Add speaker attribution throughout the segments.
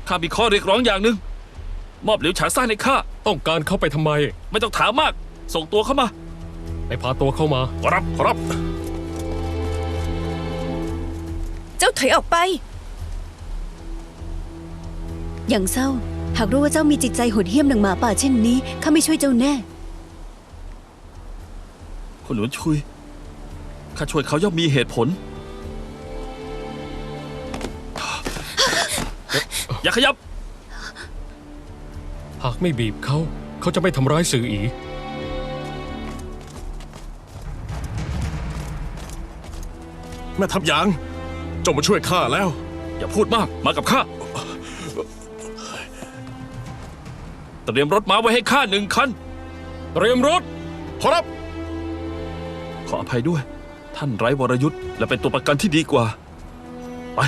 Speaker 1: ข้ามีข้อเรียกร้องอย่างหนึ่งมอบเหลียวฉางซ่านให้ข้า
Speaker 2: ต้องการเข้าไปทำไม
Speaker 1: ไม่ต้องถามมากส่งตัวเข้ามา
Speaker 2: ไปพาตัวเข้ามา
Speaker 1: ครับ
Speaker 3: เจ้าถอยออกไปอย่างเศร้าหากรู้ว่าเจ้ามีจิตใจโหดเหี้ยมดังหมาป่าเช่นนี้ข้าไม่ช่วยเจ้าแน่
Speaker 1: คุณหลวนชุยข้าช่วยเขาย่อมมีเหตุผลอย่าขยับ
Speaker 2: หากไม่บีบเขาจะไม่ทำร้ายสื่ออี
Speaker 4: แม่ทัพหยางเจ้ามาช่วยข้าแล้ว
Speaker 1: อย่าพูดมากมากับข้าเตรียมรถม้าไว้ให้ข้า1 คัน
Speaker 2: เตรียมรถ
Speaker 4: ขอรับ
Speaker 1: ขออภัยด้วยท่านไร้วรยุทธ์และเป็นตัวประกันที่ดีกว่าไป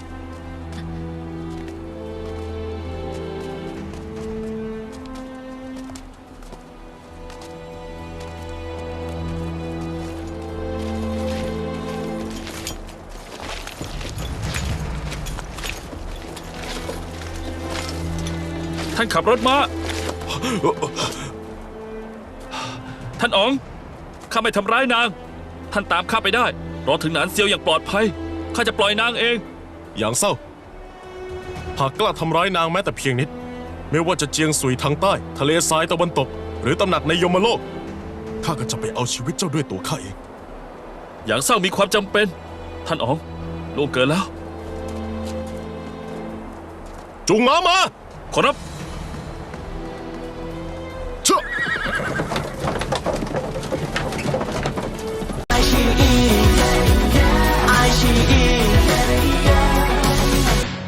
Speaker 1: ท่านขับรถมาท่านอ๋องข้าไม่ทำร้ายนางท่านตามข้าไปได้รอถึงหนานเซียวอย่างปลอดภัยข้าจะปล่อยนางเอง
Speaker 4: อย่างเศร้าหากกล้าทำร้ายนางแม้แต่เพียงนิดไม่ว่าจะเจียงสุยทางใต้ทะเลทรายตะวันตกหรือตำหนักในยมโลกข้าก็จะไปเอาชีวิตเจ้าด้วยตัวข้าเอง
Speaker 1: อย่างเศร้ามีความจำเป็นท่านอ๋องล่วงเกินแล้ว
Speaker 4: จุงม้ามา
Speaker 1: ขอรับ